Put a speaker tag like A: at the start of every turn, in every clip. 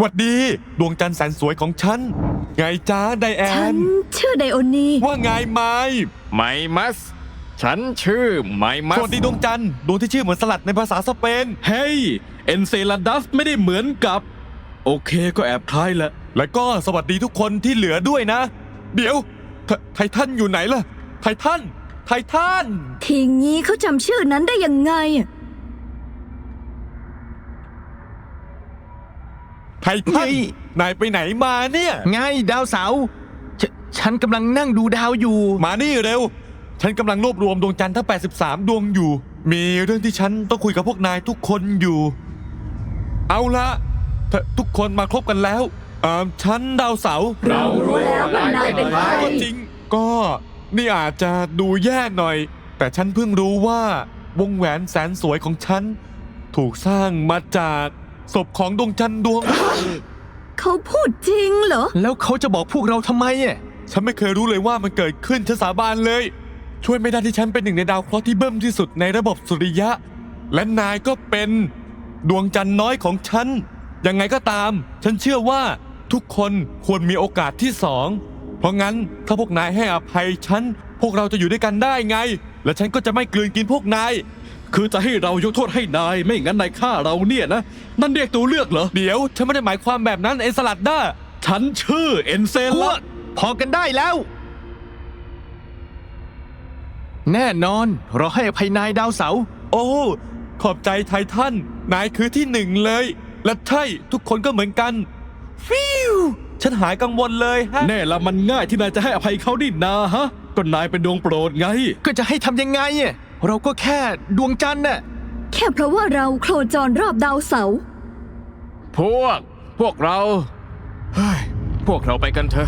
A: หวัดดีดวงจันทร์แสนสวยของฉันไงจ้าไดแอ
B: ฉั
A: น
B: นชื่อไดโอนี
A: ว่าไงไม
C: ไมมัส ฉันชื่อไมมั
A: ส
C: ส
A: วัสดีดวงจันทร์ดวงที่ชื่อเหมือนสลัดในภาษาสเปน
D: เฮ้ยเอนเซลาดัสไม่ได้เหมือนกับ โอเคก็แอบคล้ายแหละ
A: และก็สวัสดีทุกคนที่เหลือด้วยนะ เดี๋ยวไททันอยู่ไหนล่ะไททัน
B: ทีงี้เขาจำชื่อนั้นได้ยังไง
A: ไททันนายไปไหนมาเนี่ย
C: ไงดาวเสาร์ฉันกำลังนั่งดูดาวอยู่
A: มานี่เร็ว ฉันกำลังรวบรวมดวงจันทร์ทั้ง83ดวงอยู่ มีเรื่องที่ฉันต้องคุยกับพวกนายทุกคนอยู่ เอาละทุกคนมาครบกันแล้วฉันดาวเสาร์
B: เรารู้แล้วว่านายเป็นใคร
A: ก็จริงก็นี่อาจจะดูแย่หน่อย แต่ฉันเพิ่งรู้ว่าวงแหวนแสนสวยของฉันถูกสร้างมาจากศพของดวงจันทร์ดวง
B: เขาพูดจริงเหรอ
C: แล้วเขาจะบอกพวกเราทำไมอ่ะ
A: ฉันไม่เคยรู้เลยว่ามันเกิดขึ้นฉันสาบานเลย ช่วยไม่ได้ที่ฉันเป็นหนึ่งในดาวเคราะห์ที่เบิ่มที่สุดในระบบสุริยะ และนายก็เป็นดวงจันทร์น้อยของฉันยังไงก็ตาม ฉันเชื่อว่าทุกคนควรมีโอกาสที่สองเพราะงั้นถ้าพวกนายให้อภัยฉันพวกเราจะอยู่ด้วยกันได้ไง และฉันก็จะไม่กลืนกินพวกนาย
D: คือจะให้เรายกโทษให้นายไม่งั้นนายฆ่าเราเนี่ยนะนั่นเรียกตัวเลือกเหรอ
A: เดี๋ยวฉันไม่ได้หมายความแบบนั้นไอ้สลัดด้า
D: ฉันชื่อเอนเซ
C: พว
D: ลาก
C: พอกันได้แล้ว แน่นอนเราให้อภัยนายดาวเสาร์
A: โอ้ขอบใจไททันนายคือที่หนึ่งเลย และใช่ทุกคนก็เหมือนกันฟิวฉันหายกังวลเลยฮะ
D: แน่ละมันง่ายที่นายจะให้อภัยเขาดินาฮะก็นายเป็นดวงโปรดไง
C: ก็จะให้ทำยังไงอ่ะเราก็แค่ดวงจันทร์น่ะ
B: แค่เพราะว่าเราโคจรรอบดาวเสาร์
C: พวกเราเฮ้ยพวกเราไปกันเถอะ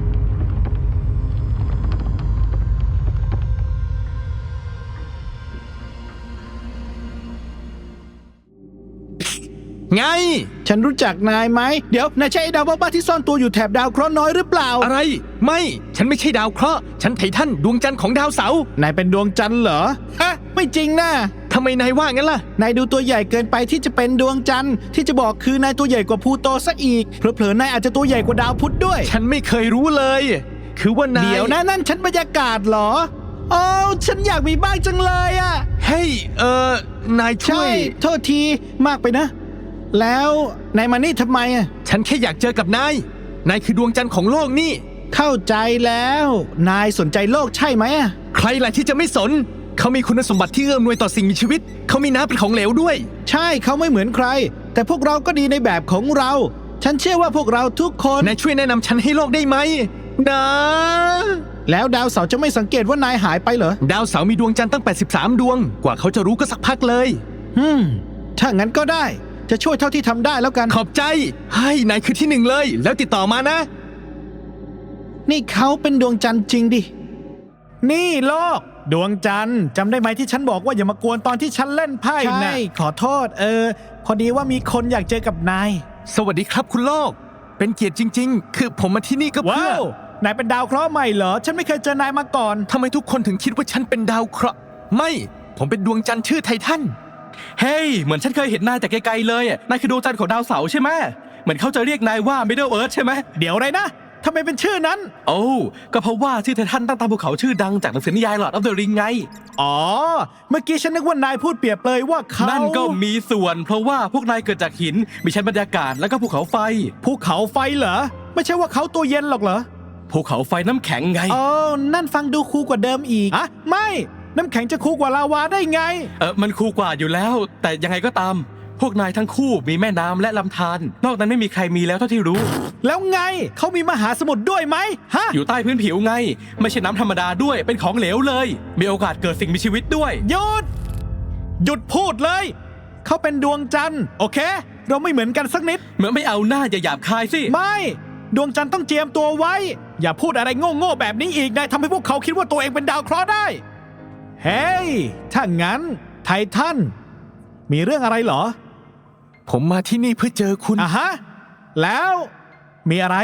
C: ไง
E: ฉันรู้จักนายไหม เดี๋ยวนายใช่ไอ้ดาวบ้าๆที่ซ่อนตัวอยู่แถบดาวเคราะห์น้อยหรือเปล่า
C: อะไรไม่ฉันไม่ใช่ดาวเคราะห์ฉันไททันดวงจันทร์ของดาวเสาร์
E: นายเป็นดวงจันทร์เหรอ ฮะ ไม่จริงนะ
C: ทำไมนายว่างั้นล่ะ
E: นายดูตัวใหญ่เกินไปที่จะเป็นดวงจันทร์ที่จะบอกคือนายตัวใหญ่กว่าพลูโตซะอีกเผลอๆนายอาจจะตัวใหญ่กว่าดาวพุธด้วย
C: ฉันไม่เคยรู้เลย คือว่านาย
E: เดี๋ยวนะนั่นฉันบรรยากาศเหรอโอ้ฉันอยากมีบ้างจังเลยอะ
C: เฮ้ยนายช่
E: ใช่
C: วย
E: โทษทีมากไปนะ แล้วนายมานี่ทำไมอะ
C: ฉันแค่อยากเจอกับนายนายคือดวงจันทร์ของโลกนี่
E: เข้าใจแล้ว นายสนใจโลกใช่ไหมอะ
C: ใครล่ะที่จะไม่สน เขามีคุณสมบัติที่เอื้อมหน่วยต่อสิ่งมีชีวิต เขามีน้ำเป็นของเหลวด้วย
E: ใช่เขาไม่เหมือนใคร แต่พวกเราก็ดีในแบบของเรา ฉันเชื่อว่าพวกเราทุกคน
C: นายช่วยแนะนำฉันให้โลกได้ไหมนะ
E: แล้วดาวเสาร์จะไม่สังเกตว่านายหายไปเหรอ
C: ดาวเสาร์มีดวงจันทร์ตั้ง83ดวง กว่าเขาจะรู้ก็สักพักเลย
E: ถ้างั้นก็ได้ จะช่วยเท่าที่ทำได้แล้วกัน
C: ขอบใจให้นายคือที่หนึ่งเลย แล้วติดต่อมานะ
E: นี่เขาเป็นดวงจันทร์จริงดิ นี่โลก ดวงจันทร์จำได้ไหมที่ฉันบอกว่าอย่ามากวนตอนที่ฉันเล่นไพ่นะใช่ขอโทษ พอดีว่ามีคนอยากเจอกับนาย
C: สวัสดีครับคุณโลก เป็นเกียรติจริง ๆ คือผมมาที่นี่ก็เพื่
E: ว้า
C: อ
E: วนายเป็นดาวเคราะห์ใหม่เหรอ ฉันไม่เคยเจอนายมาก่อน
C: ทำไมทุกคนถึงคิดว่าฉันเป็นดาวเคราะห์ไม่ ผมเป็นดวงจันทร์ชื่อไททัน
D: เฮ้ยเหมือนฉันเคยเห็นนายแต่ไกลๆเลยนายคือดวงจันทร์ของดาวเสาร์ใช่ไหมเหมือนเขาจะเรียกนายว่า Middle Earth ใช่ไหม
E: เดี๋ยวอะไรนะทำไมเป็นชื่อนั้น
D: โอ้ก็เพราะว่าชื่อไททันตั้งตามภูเขาชื่อดังจากหนังสือนิยาย Lord of the Ring ไง
E: อ๋อ เมื่อกี้ฉันนึกว่านายพูดเปรียบเลยว่าเขา
D: นั่นก็มีส่วน เพราะว่าพวกนายเกิดจากหิน มีชั้นบรรยากาศแล้วก็ภูเขาไฟ
E: ภูเขาไฟเหรอ ไม่ใช่ว่าเขาตัวเย็นหรอกเหรอ
D: ภูเขาไฟน้ำแข็งไง
E: อ๋อ นั่นฟังดูคูลกว่าเดิมอีกอะไม่ น้ำแข็งจะคูลกว่าลาวาได้ไง
D: มันคูลกว่าอยู่แล้ว แต่ยังไงก็ตาม พวกนายทั้งคู่มีแม่น้ำและลำธารนอกนั้นไม่มีใครมีแล้วเท่าที่รู้
E: แล้วไง เขามีมหาสมุทรด้วยไหมฮะ
D: อยู่ใต้พื้นผิวไง ไม่ใช่น้ำธรรมดาด้วยเป็นของเหลวเลย มีโอกาสเกิดสิ่งมีชีวิตด้วย
E: หยุด หยุดพูดเลย เขาเป็นดวงจันทร์ โอเค เราไม่เหมือนกันสักนิด
D: เหมือนไม่เอาหน้าอย่าหยาบคายสิ
E: ไม่ ดวงจันทร์ต้องเจียมตัวไว้ อย่าพูดอะไรโง่ๆแบบนี้อีกนายทำให้พวกเขาคิดว่าตัวเองเป็นดาวเคราะห์ได้ เฮ้ย ถ้างั้น ไททัน มีเรื่องอะไรเหรอ
C: ผมมาที่นี่เพื่อเจอคุณ
E: อ่ะฮะ แล้วมีอะไร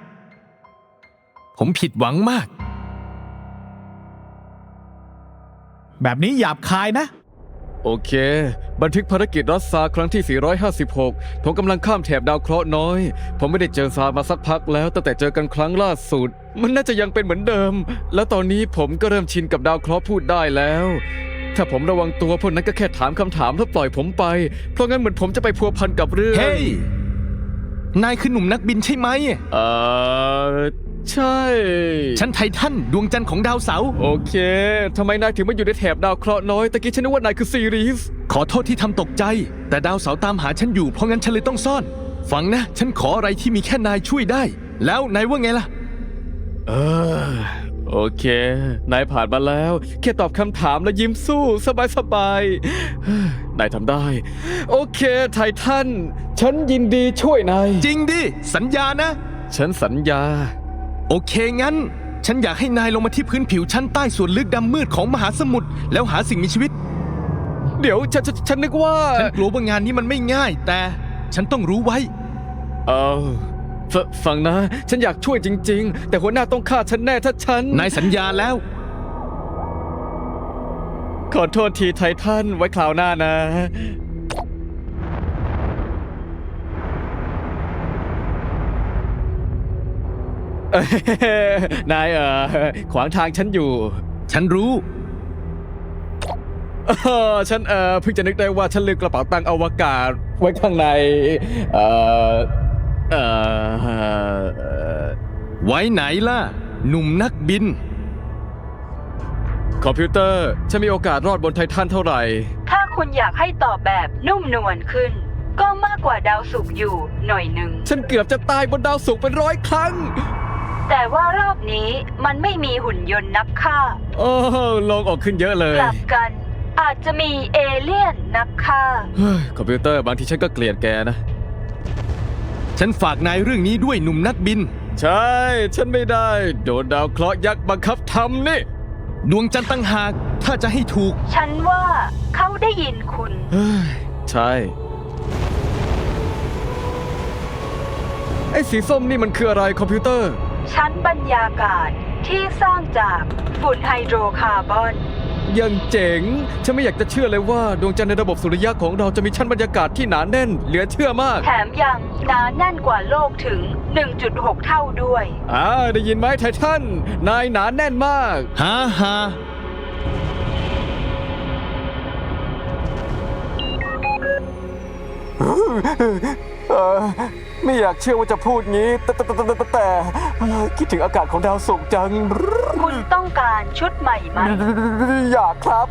C: ผมผิดหวังมาก
E: แบบนี้หยาบคายนะ
F: โอเค บันทึกภารกิจรัสซาครั้งที่ 456 ผมกำลังข้ามแถบดาวเคราะห์น้อย ผมไม่ได้เจอซามาสักพักแล้วตั้งแต่เจอกันครั้งล่าสุด มันน่าจะยังเป็นเหมือนเดิม แล้วตอนนี้ผมก็เริ่มชินกับดาวเคราะห์พูดได้แล้ว ถ้าผมระวังตัวพวกนั้นก็แค่ถามคำถามแล้วปล่อยผมไป เพราะงั้นเหมือนผมจะไปพัวพันกับเรื่อง
C: เฮ้ย นายคือหนุ่มนักบินใช่ไหม
F: ใช่
C: ฉันไททันดวงจันทร์ของดาวเสาร์
F: โอเค ทำไมนายถึงมาอยู่ในแถบดาวเคราะห์น้อยตะกี้ฉันนึกว่านายคือซีรีส์
C: ขอโทษที่ทำตกใจ แต่ดาวเสาร์ตามหาฉันอยู่เพราะงั้นฉันเลยต้องซ่อน ฟังนะ ฉันขออะไรที่มีแค่นายช่วยได้ แล้วนายว่าไงล่ะ
F: โอเค นายผ่านมาแล้ว แค่ตอบคำถามและยิ้มสู้สบายๆ นายทำได้ โอเค ไททัน ฉันยินดีช่วยนาย
C: จริงดิ สัญญานะ
F: ฉันสัญญา
C: โอเคงั้น ฉันอยากให้นายลงมาที่พื้นผิวชั้นใต้ส่วนลึกดำมืดของมหาสมุทรแล้วหาสิ่งมีชีวิต
F: เดี๋ยวฉันนึกว่า
C: ฉันกลัวว่างานนี้มันไม่ง่าย แต่ฉันต้องรู้ไว้
F: ฟังนะ ฉันอยากช่วยจริง ๆ แต่หัวหน้าต้องฆ่าฉันแน่ถ้าฉัน
C: นายสัญญาแล้ว
F: ขอโทษทีไททันไว้คราวหน้านะ นายขวางทางฉันอยู่
C: ฉันรู้
F: ฉันเพิ่งจะนึกได้ว่าฉันลืมกระเป๋าตังค์อวกาศไว้ข้างใน
C: ไว้ไหนล่ะ หนุ่มนักบิน
F: คอมพิวเตอร์ฉันมีโอกาสรอดบนไททันเท่าไหร่
B: ถ้าคุณอยากให้ตอบแบบนุ่มนวลขึ้น ก็มากกว่าดาวศุกร์อยู่หน่อยหนึ่ง
F: ฉันเกือบจะตายบนดาวศุกร์เป็น100 ครั้ง
B: แต่ว่ารอบนี้มันไม่มีหุ่นยนต์นักฆ่า
F: โอ้โลงออกขึ้นเยอะเลย
B: กลับกันอาจจะมีเอเลี่ยนนักฆ่า
F: เฮ้ยคอมพิวเตอร์บางทีฉันก็เกลียดแกนะ
C: ฉันฝากนายเรื่องนี้ด้วยหนุ่มนักบิน
F: ใช่ ฉันไม่ได้ โดนดาวเคราะห์ยักษ์บังคับทำนี่
C: ดวงจันทร์ตั้งหาก ถ้าจะให้ถูก
B: ฉันว่าเขาได้ยินคุณ
F: เฮ้ย ใช่ ไอ้สีส้มนี่มันคืออะไรคอมพิวเตอร์
B: ชั้นบรรยากาศที่สร้างจากฝุ่นไฮโดรคาร์บอน
F: ยังเจ๋ง ฉันไม่อยากจะเชื่อเลยว่าดวงจันทร์ในระบบสุริยะของเราจะมีชั้นบรรยากาศที่หนาแน่น เหลือเชื่อมาก
B: แถมยังหนาแน่นกว่าโลกถึง 1.6 เท่าด้วย
F: ได้ยินไหมไททัน นายหนาแน่นมาก
C: ฮ่าฮ่า
F: ไม่อยากเชื่อว่าจะพูดงี้ แต่คิดถึงอากาศของดาวศุกร์จัง
B: คุณต้องการชุดใหม่ไหม
F: อยากครับ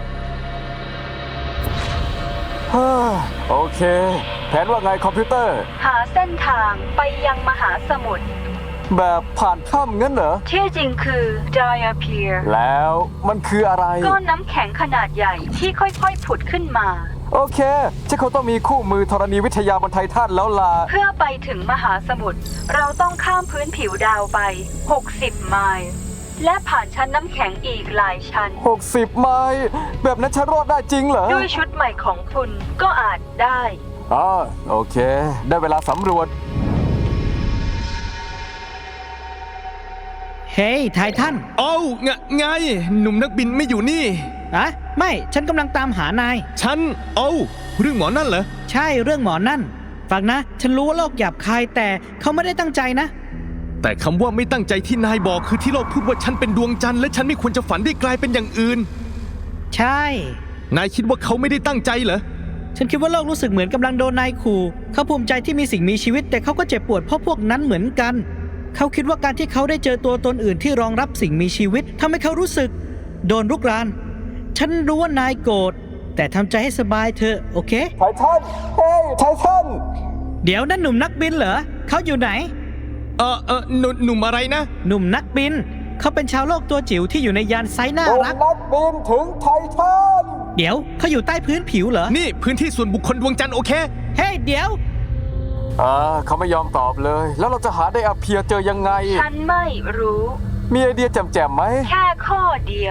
F: โอเค แผนว่าไงคอมพิวเตอร์
B: หาเส้นทางไปยังมหาสมุทร
F: แบบผ่านถ้ำงั้นเหรอ
B: ที่จริงคือ Diapir
F: แล้วมันคืออะไร
B: ก้อนน้ำแข็งขนาดใหญ่ที่ค่อยๆ ผุดขึ้นมา
F: โอเคฉันคงต้องมีคู่มือธรณีวิทยาบนไททันแล้วล่ะ
B: เพื่อไปถึงมหาสมุทรเราต้องข้ามพื้นผิวดาวไป 60 ไมล์ และผ่านชั้นน้ำแข็งอีกหลายชั้น
F: 60 ไมล์แบบนั้นฉันรอดได้จริงเหรอ
B: ด้วยชุดใหม่ของคุณก็อาจได้
F: โอเค ได้เวลาสำรวจ
E: เฮ้ยไททัน
C: เอ้าไง หนุ่มนักบินไม่อยู่นี่
E: อะไม่ฉันกำลังตามหานาย
C: ฉัน เรื่องหมอนั่นเหรอ
E: ใช่เรื่องหมอนั่น ฟังนะ ฉันรู้ว่าโลกหยาบคายแต่เขาไม่ได้ตั้งใจนะ
C: แต่คำว่าไม่ตั้งใจที่นายบอกคือที่โลกพูดว่าฉันเป็นดวงจันทร์และฉันไม่ควรจะฝันได้กลายเป็นอย่างอื่น
E: ใช่
C: นายคิดว่าเขาไม่ได้ตั้งใจเหรอ
E: ฉันคิดว่าโลกรู้สึกเหมือนกำลังโดนนายขู่เขาภูมิใจที่มีสิ่งมีชีวิต แต่เขาก็เจ็บปวดเพราะพวกนั้นเหมือนกัน เขาคิดว่าการที่เขาได้เจอตัวตนอื่นที่รองรับสิ่งมีชีวิตทำให้เขารู้สึกโดนรุกราน ฉันรู้ว่านายโกรธแต่ทำใจให้สบายเถอะโอเค
F: ไททัน เฮ้ย ไททัน
E: เดี๋ยวนั่นหนุ่มนักบินเหรอเขาอยู่ไหน
C: หนุ่มอะไรนะ
E: หนุ่มนักบิน เขาเป็นชาวโลกตัวจิ๋วที่อยู่ในยานไซน่ารัก
F: นักบินถึงไททัน
E: เดี๋ยวเขาอยู่ใต้พื้นผิวเหรอ
C: นี่พื้นที่ส่วนบุคคลดวงจันทร์โอเค
E: เฮ้ยเดี๋ยว
F: เขาไม่ยอมตอบเลย แล้วเราจะหาได้อาเพียเจอยังไง
B: ฉันไม่รู้
F: มีไอเดียแจ่มๆไหม
B: แค่ข้อเดียว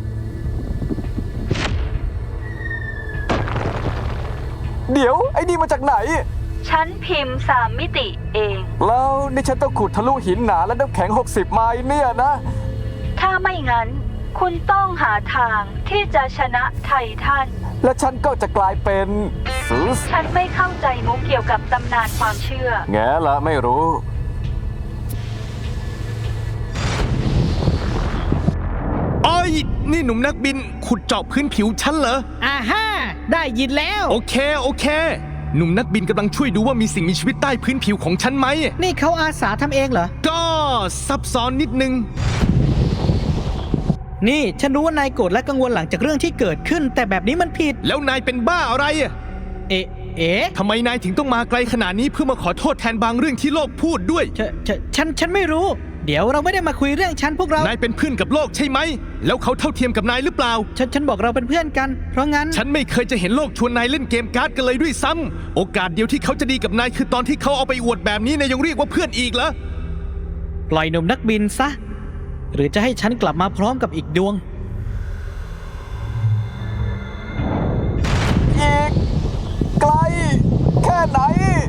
F: เดี๋ยว ไอ้นี่มาจากไหน
B: ฉันพิมพ์3 มิติเอง
F: แล้วนี่ฉันต้องขุดทะลุหินหนาและน้ำแข็ง 60 ไมล์เนี่ยนะ
B: ถ้าไม่งั้น คุณต้องหาทางที่จะชนะไททัน
G: และฉันก็จะกลายเป็นซูส
B: ฉันไม่เข้าใจมุกเกี่ยวกับตำนานความเชื่อ
G: แง่ละไม่รู้
C: โอ้ยนี่หนุ่มนักบินขุดเจาะพื้นผิวฉันเหรอ
E: อ่าฮ่าได้ยินแล้ว
C: โอเค หนุ่มนักบินกำลังช่วยดูว่ามีสิ่งมีชีวิตใต้พื้นผิวของฉันไหม
E: นี่เขาอาสาทำเองเหรอ
C: ก็ซับซ้อนนิดนึง
E: นี่ฉันรู้ว่านายโกรธและกังวลหลังจากเรื่องที่เกิดขึ้น แต่แบบนี้มันผิด
C: แล้วนายเป็นบ้าอะไรอะ
E: เอ๊ะ
C: ทำไมนายถึงต้องมาไกลขนาดนี้เพื่อมาขอโทษแทนบางเรื่องที่โลกพูดด้วย
E: ฉันไม่รู้ เดี๋ยวเราไม่ได้มาคุยเรื่องฉันพวกเรา
C: นายเป็นเพื่อนกับโลกใช่ไหม แล้วเขาเท่าเทียมกับนายหรือเปล่า
E: ฉันบอกเราเป็นเพื่อนกัน เพราะงั้น
C: ฉันไม่เคยจะเห็นโลกชวนนายเล่นเกมการ์ดกันเลยด้วยซ้ำโอกาสเดียวที่เขาจะดีกับนายคือตอนที่เขาเอาไปอวดแบบนี้นายยังเรียกว่าเพื่อนอีกเหรอ
E: ปล่อยหนุ่มนักบินซะ หรือจะให้ฉันกลับมาพร้อมกับอีกดวง
G: อีกไกลแค่ไหน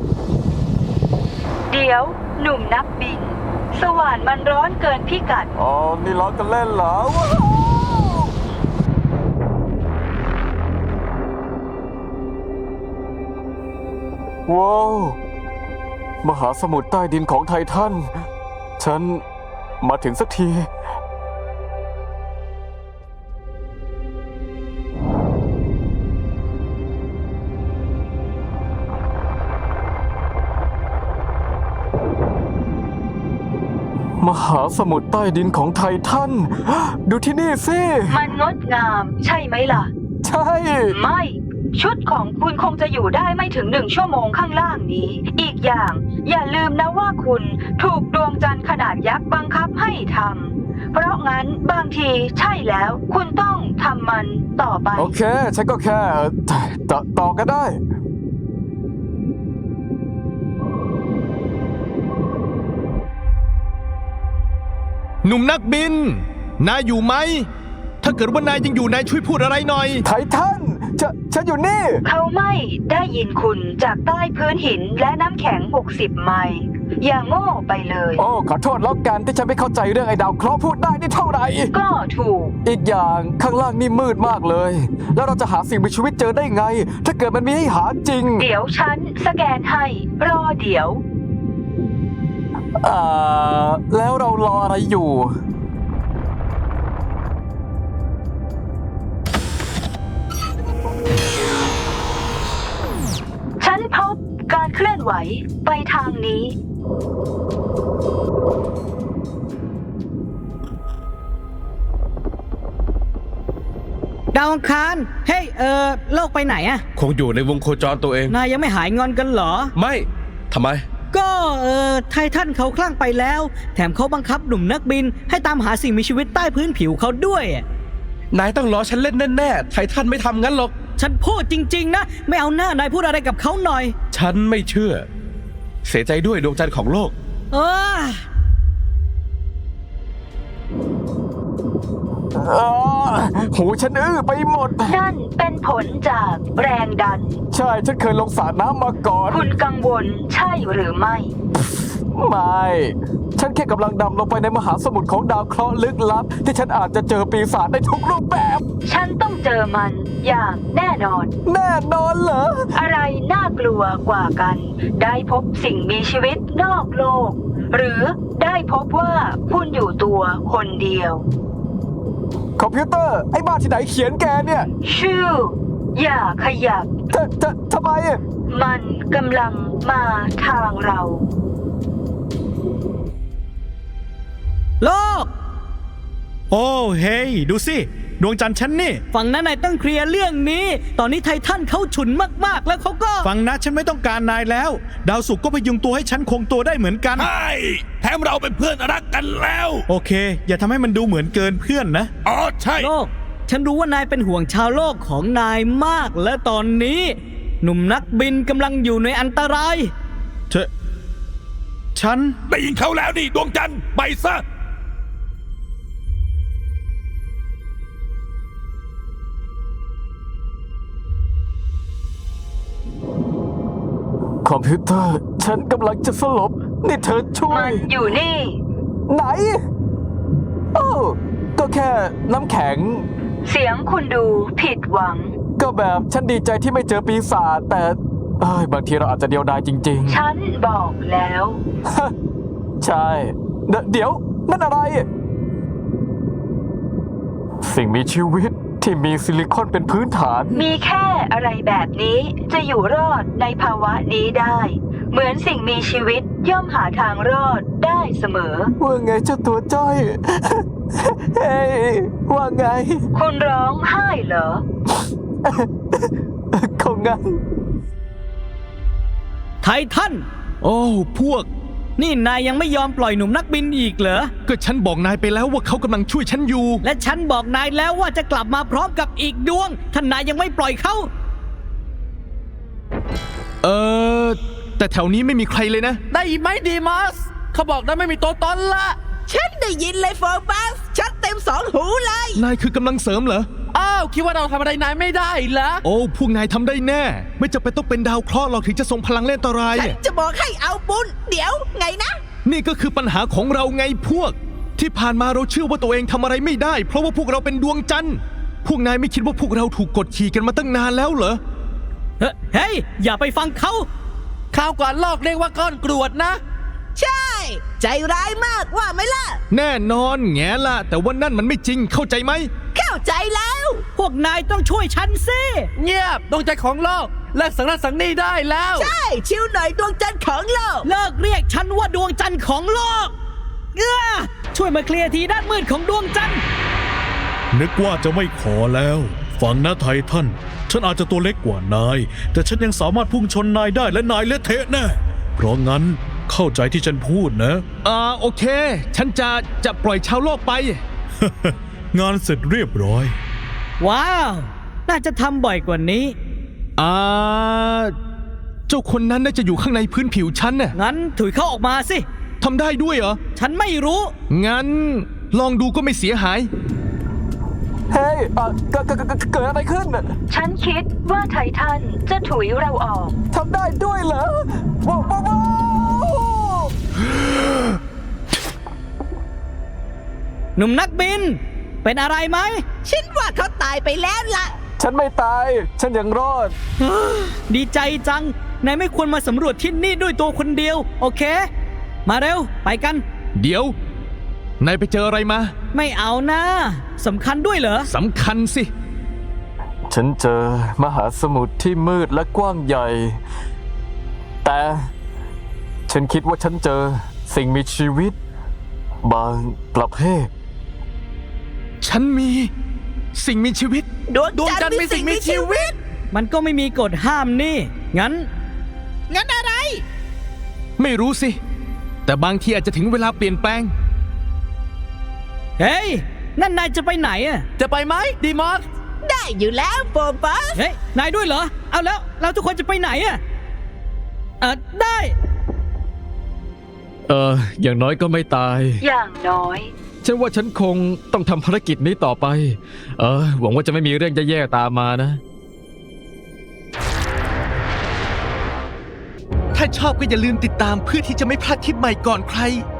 B: เดี๋ยวหนุ่มนักบิน สว่านมันร้อนเกินพิกัด
G: อ๋อ นี่ล้อกันเล่นเหรอ ว้าว มหาสมุทรใต้ดินของไททัน ฉันมาถึงสักที มหาสมุทรใต้ดินของไททัน ดูที่นี่สิ
B: มันงดงาม ใช่ไหมล่ะ
G: ใช่
B: ไม่ ชุดของคุณคงจะอยู่ได้ไม่ถึง1 ชั่วโมงข้างล่างนี้ อีกอย่าง อย่าลืมนะว่าคุณถูกดวงจันทร์ขนาดยักษ์บังคับให้ทำเพราะงั้นบางทีใช่แล้วคุณต้องทำมันต่อไป
G: โอเค ฉันก็แค่ต่อก็ได้
C: หนุ่มนักบิน นายอยู่ไหม ถ้าเกิดว่านายยังอยู่นายช่วยพูดอะไรหน่อย
G: ไททันฉันอยู่นี่
B: เขาไม่ได้ยินคุณจากใต้พื้นหินและน้ำแข็ง60 ไมล์อย่าโง่ไปเลย
G: โอ้ ขอโทษแล้วกันที่ฉันไม่เข้าใจเรื่องไอ้ดาวเคราะห์พูดได้นี่เท่าไหร่
B: ก็ถูก
G: อีกอย่างข้างล่างนี่มืดมากเลย แล้วเราจะหาสิ่งมีชีวิตเจอได้ไง ถ้าเกิดมันมีให้หาจริง
B: เดี๋ยวฉันสแกนให้ รอเดี๋ยว
G: แล้วเรารออะไรอยู่
B: ฉันพบการเคลื่อนไหวไปทางนี้
E: ดาวอังคาร เฮ้ย โลกไปไหนอะ
D: คงอยู่ในวงโคจรตัวเอง
E: นายยังไม่หายงอนกันเหรอ
D: ไม่ทำไม
E: ก็ไททันเขาคลั่งไปแล้ว แถมเขาบังคับหนุ่มนักบิน ให้ตามหาสิ่งมีชีวิตใต้พื้นผิวเขาด้วย
D: นายต้องล้อฉันเล่นแน่ๆไททันไม่ทำงั้นหรอก
E: ฉันพูดจริง ๆ นะ ไม่เอาหน้านายพูดอะไรกับเขาหน่อย
D: ฉันไม่เชื่อ เสียใจด้วยดวงจันทร์ของโลก
E: เออ
G: หูฉันอื้อไปหมด
B: นั่นเป็นผลจากแรงดัน
G: ใช่ ฉันเคยลงสระน้ำมาก่อน
B: คุณกังวลใช่หรือไม่
G: ไม่ ฉันแค่กำลังดำลงไปในมหาสมุทรของดาวเคราะห์ลึกลับ ที่ฉันอาจจะเจอปีศาจในทุกรูปแบบ
B: ฉันต้องเจอมันอย่างแน่นอน
G: แน่นอนเหรอ
B: อะไรน่ากลัวกว่ากัน ได้พบสิ่งมีชีวิตนอกโลก หรือได้พบว่าคุณอยู่ตัวคนเดียว
G: คอมพิวเตอร์ ไอ้บ้าที่ไหนเขียนแกเนี่ย
B: ชื่อ อย่าขยับ
G: ทำไม
B: มันกำลังมาทางเรา
E: โลก
H: โอ้เฮ้ยดูสิ ดวงจันทร์ฉันนี่
E: ฝั่งนั้นนายต้องเคลียร์เรื่องนี้ ตอนนี้ไททันเขาฉุนมากๆ แล้วเขาก็
H: ฟังนะฉันไม่ต้องการนายแล้ว ดาวศุกร์ก็พยุงตัวให้ฉันคงตัวได้เหมือนกัน
A: ใช่แถมเราเป็นเพื่อนรักกันแล้ว
H: โอเค อย่าทำให้มันดูเหมือนเกินเพื่อนนะ
A: อ๋อใช่
E: โลก ฉันรู้ว่านายเป็นห่วงชาวโลกของนายมาก และตอนนี้ หนุ่มนักบินกำลังอยู่ในอันตราย
H: ฉัน
A: ได้ยินเขาแล้วนี่ดวงจันทร์ไปซะ
G: คอมพิวเตอร์ ฉันกำลังจะสลบ นี่เธอช่ว
B: มั
G: ย
B: นอยู่นี่
G: ไหน โอ้ ก็แค่น้ำแข็ง
B: เสียงคุณดูผิดหวัง
G: ก็ก็แบบฉันดีใจที่ไม่เจอปีศาจแต่บางทีเราอาจจะเดียวดายจริง
B: ฉันบอกแล้ว
G: ๆ ใช่ เดี๋ยวนั่นอะไร สิ่งมีชีวิตที่มีซิลิคอนเป็นพื้นฐาน
B: มีแค่อะไรแบบนี้จะอยู่รอดในภาวะนี้ได้ เหมือนสิ่งมีชีวิตย่อมหาทางรอดได้เสมอ
G: ว่าไงเจ้าตัวจ้อย เฮ้ยว่าไง
B: คุณร้องไห้เหรอ
G: คงงั้น
I: ไททัน
C: โอ้พวก
I: นี่นายยังไม่ยอมปล่อยหนุ่มนักบินอีกเหรอ
C: ก็ฉันบอกนายไปแล้วว่าเขากำลังช่วยฉันอยู่
I: และฉันบอกนายแล้วว่าจะกลับมาพร้อมกับอีกดวงท่านนายยังไม่ปล่อยเขา
C: แต่แถวนี้ไม่มีใครเลยนะ
D: ได้ไหมดีมัสเขาบอกได้ไม่มีตัวตนละ
J: ฉันได้ยินเลยโฟบัสชัดเต็ม2 หูเลย
C: นายคือกำลังเสริมเหรอ
D: อ้าวคิดว่าเราทำอะไรนายไม่ได้เหรอ
C: โอ้พวกนายทำได้แน่ ไม่จำเป็นต้องเป็นดาวเคราะห์หรอกถึงจะส่งพลังเล่นอันตราย
J: ฉันจะบอกให้เอาบุญ เดี๋ยวไงนะ
C: นี่ก็คือปัญหาของเราไงพวก ที่ผ่านมาเราเชื่อว่าตัวเองทำอะไรไม่ได้ เพราะว่าพวกเราเป็นดวงจันทร์พวกนายไม่คิดว่าพวกเราถูกกดขี่กันมาตั้งนานแล้วเหรอ
I: เฮ้ย อย่าไปฟังเขา
D: ข่าวก่อนลอกเรียกว่าก้อนกรวดนะ
J: ใช่ ใจร้ายมากว่าไหมล่ะ
C: แน่นอนแง่ละแต่ว่านั่นมันไม่จริงเข้าใจไหม
J: เข้าใจแล้ว
I: พวกนายต้องช่วยฉันสิ
D: เงียบดวงใจของโลกเลิกสังนั่นสังนี่ได้แล้ว
J: ใช่ ชิวหน่อยดวงจันทร์ของโลก
I: เลิกเรียกฉันว่าดวงจันทร์ของโลกช่วยมาเคลียร์ทีด้านมืดของดวงจันทร์
H: นึกว่าจะไม่ขอแล้ว ฟังนะไททัน ฉันอาจจะตัวเล็กกว่านาย แต่ฉันยังสามารถพุ่งชนนายได้และนายเละเทะแน่ เพราะงั้นเข้าใจที่ฉันพูดนะ
C: โอเค ฉันจะปล่อยชาวโลกไป
H: งานเสร็จเรียบร้อย
I: ว้าว น่าจะทำบ่อยกว่านี้
C: เจ้าคนนั้นน่าจะอยู่ข้างในพื้นผิวฉันน่ะ
I: งั้นถุยเข้าออกมาสิ
C: ทำได้ด้วยเหรอ
I: ฉันไม่รู้
C: งั้นลองดูก็ไม่เสียหาย
G: เฮ้ยเกิดอะไรขึ้น
B: ฉันคิดว่าไททันจะถุยเราออก
G: ทำได้ด้วยเหรอว้าวว้าวว้าว
I: หนุ่มนักบิน เป็นอะไรไหม
J: ฉันว่าเขาตายไปแล้วล่ะ
G: ฉันไม่ตาย ฉันยังรอด
I: ดีใจจัง นายไม่ควรมาสำรวจที่นี่ด้วยตัวคนเดียว โอเค มาเร็ว ไปกัน
C: เดี๋ยว นายไปเจออะไรมา
I: ไม่เอานะสำคัญด้วยเหรอ
C: สำคัญสิ
G: ฉันเจอมหาสมุทรที่มืดและกว้างใหญ่ แต่ฉันคิดว่าฉันเจอสิ่งมีชีวิต บางประเภท
C: ฉันมีสิ่งมีชีวิต
J: ดวงจันทร์มีสิ่งมีชีวิต
I: มันก็ไม่มีกฎห้ามนี่ งั้น
J: งั้นอะไร
C: ไม่รู้สิ แต่บางทีอาจจะถึงเวลาเปลี่ยนแปลง
I: เฮ้ย นั่นนายจะไปไหนอะ
D: จะไปไหมดีมัส
J: ได้อยู่แล้วโฟบัส
I: เฮ้ย นายด้วยเหรอ เอาแล้ว เราทุกคนจะไปไหนอะได้
F: อย่างน้อยก็ไม่ตาย
B: อย่างน้อย
F: ฉันว่าฉันคงต้องทำภารกิจนี้ต่อไป หวังว่าจะไม่มีเรื่องแย่ๆตามมานะ
C: ถ้าชอบก็อย่าลืมติดตามเพื่อที่จะไม่พลาดคลิปใหม่ก่อนใคร